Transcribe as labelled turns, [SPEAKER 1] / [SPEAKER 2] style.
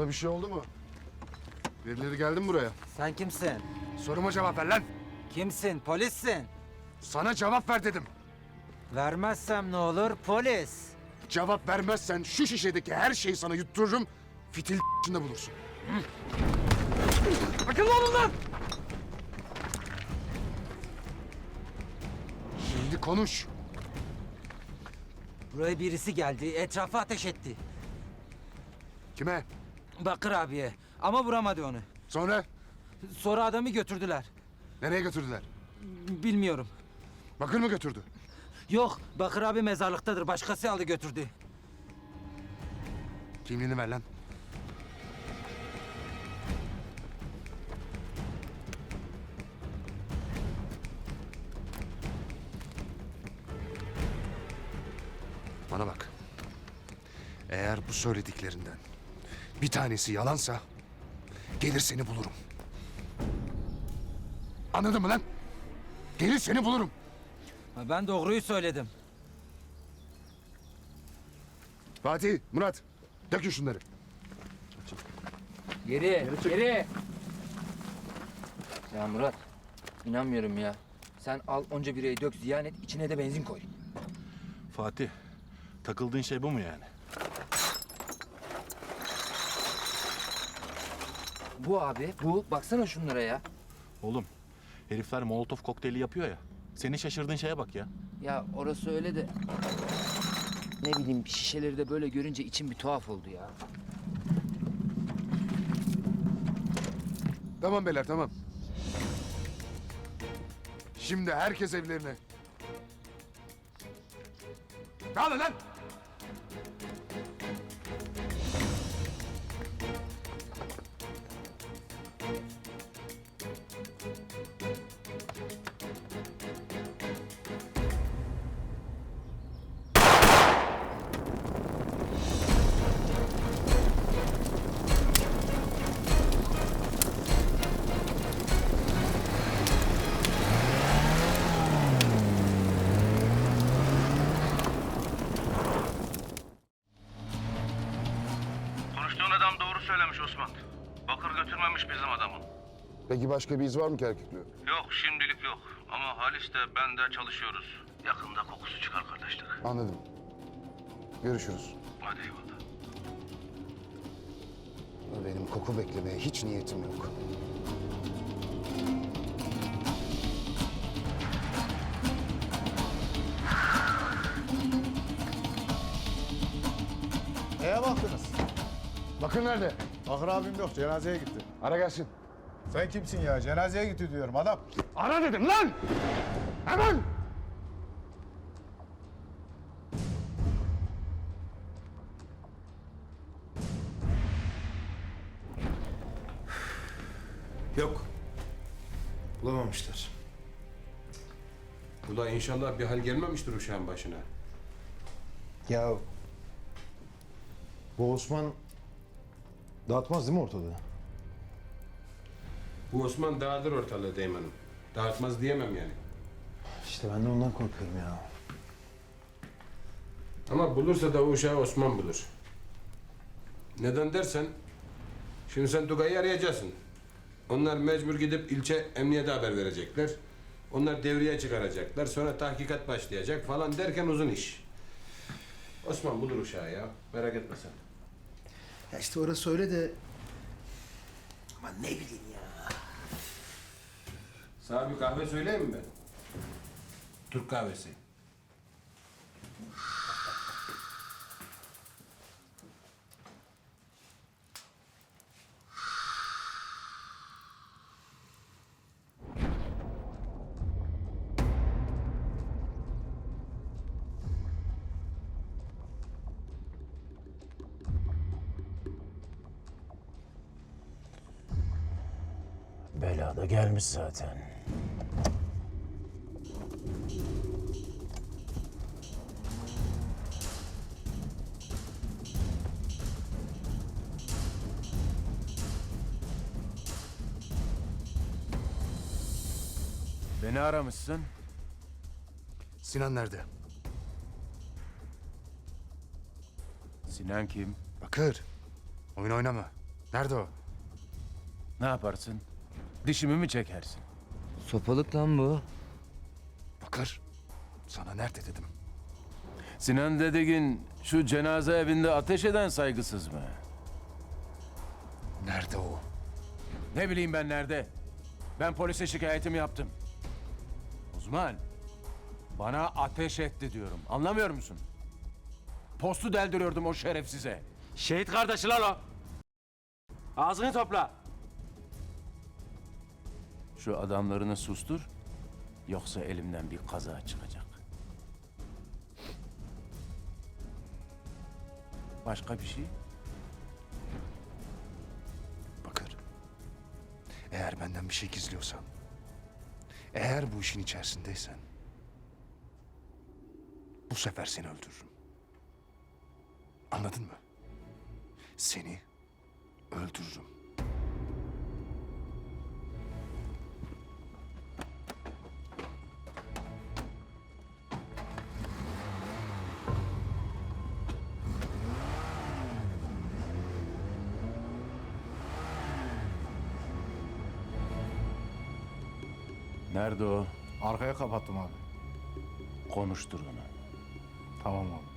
[SPEAKER 1] Sana bir şey oldu mu? Birileri geldi mi buraya?
[SPEAKER 2] Sen kimsin?
[SPEAKER 1] Soruma cevap ver lan.
[SPEAKER 2] Kimsin? Polissin.
[SPEAKER 1] Sana cevap ver dedim.
[SPEAKER 2] Vermezsem ne olur? Polis.
[SPEAKER 1] Cevap vermezsen şu şişedeki her şeyi sana yuttururum. Fitil içinde bulursun.
[SPEAKER 2] Akıllı olun lan!
[SPEAKER 1] Şimdi konuş.
[SPEAKER 2] Buraya birisi geldi, etrafa ateş etti.
[SPEAKER 1] Kime?
[SPEAKER 2] Bakır abiye ama vuramadı onu.
[SPEAKER 1] Sonra?
[SPEAKER 2] Sonra adamı götürdüler.
[SPEAKER 1] Nereye götürdüler?
[SPEAKER 2] Bilmiyorum.
[SPEAKER 1] Bakır mı götürdü?
[SPEAKER 2] Yok, Bakır abi mezarlıktadır. Başkası aldı götürdü.
[SPEAKER 1] Kimliğini ver lan. Bana bak. Eğer bu söylediklerinden bir tanesi yalansa gelir seni bulurum. Anladın mı lan? Gelir seni bulurum.
[SPEAKER 2] Ben doğruyu söyledim.
[SPEAKER 1] Fatih, Murat, dökün şunları.
[SPEAKER 3] Geri. Ya Murat, inanmıyorum ya. Sen al onca birayı dök, ziyan et, içine de benzin koy.
[SPEAKER 4] Fatih, takıldığın şey bu mu yani?
[SPEAKER 3] Bu abi, bu. Baksana şunlara ya.
[SPEAKER 4] Oğlum, herifler Molotov kokteyli yapıyor ya. Senin şaşırdığın şeye bak ya.
[SPEAKER 3] Ya orası öyle de... Ne bileyim, şişeleri de böyle görünce içim bir tuhaf oldu ya.
[SPEAKER 1] Tamam beyler, tamam. Şimdi herkes evlerine. Dağılın lan!
[SPEAKER 5] Konuştuğun adam doğru söylemiş Osman. Bakır götürmemiş bizim adamı.
[SPEAKER 1] Peki başka bir iz var mı Kerküklü?
[SPEAKER 5] Yok şimdilik yok. Ama Halis de ben de çalışıyoruz. Yakında kokusu çıkar kardeşlik.
[SPEAKER 1] Anladım. Görüşürüz.
[SPEAKER 5] Hadi eyvallah.
[SPEAKER 1] Benim koku beklemeye hiç niyetim yok.
[SPEAKER 6] Neye baktınız?
[SPEAKER 1] Bakın nerede?
[SPEAKER 6] Bakır abim yok, cenazeye gitti.
[SPEAKER 1] Ara gelsin.
[SPEAKER 6] Sen kimsin ya? Cenazeye gitti diyorum adam.
[SPEAKER 1] Ara dedim lan! Hemen!
[SPEAKER 7] Yok. Bulamamışlar. Ula inşallah bir hal gelmemiştir uşağın başına.
[SPEAKER 6] Ya bu Osman dağıtmaz değil mi ortalığı?
[SPEAKER 7] Bu Osman dağıtır ortalığı Deyman'ım. Dağıtmaz diyemem yani.
[SPEAKER 6] İşte ben de ondan korkuyorum ya.
[SPEAKER 7] Ama bulursa da o uşağı Osman bulur. Neden dersen, şimdi sen Tugay'ı arayacaksın. Onlar mecbur gidip ilçe emniyete haber verecekler. Onlar devreye çıkaracaklar. Sonra tahkikat başlayacak falan derken uzun iş. Osman bulur uşağı ya. Merak etme sen.
[SPEAKER 8] Ya işte orası öyle de... Ama ne bileyim ya.
[SPEAKER 7] Sana bir kahve söyleyeyim mi ben? Türk kahvesi.
[SPEAKER 8] Bela da gelmiş zaten.
[SPEAKER 6] Beni aramışsın.
[SPEAKER 1] Sinan nerede?
[SPEAKER 6] Sinan kim?
[SPEAKER 1] Bakır. Oyun oynama. Nerede o?
[SPEAKER 9] Ne yaparsın? Dişimi mi çekersin?
[SPEAKER 3] Sopalık lan bu.
[SPEAKER 1] Bakır. Sana nerede dedim.
[SPEAKER 9] Sinan Dedegin şu cenaze evinde ateş eden saygısız mı?
[SPEAKER 1] Nerede o?
[SPEAKER 9] Ne bileyim ben nerede? Ben polise şikayetimi yaptım. Uzman, bana ateş etti diyorum. Anlamıyor musun? Postu deldiriyordum o şerefsize.
[SPEAKER 2] Şehit kardeşi lan o. Ağzını topla.
[SPEAKER 9] Şu adamlarını sustur, yoksa elimden bir kaza çıkacak. Başka bir şey?
[SPEAKER 1] Bakır. Eğer benden bir şey gizliyorsan, eğer bu işin içerisindeysen, bu sefer seni öldürürüm. Anladın mı? Seni öldürürüm.
[SPEAKER 9] Nerede o?
[SPEAKER 6] Arkaya kapattım abi.
[SPEAKER 9] Konuştur onu.
[SPEAKER 6] Tamam abi.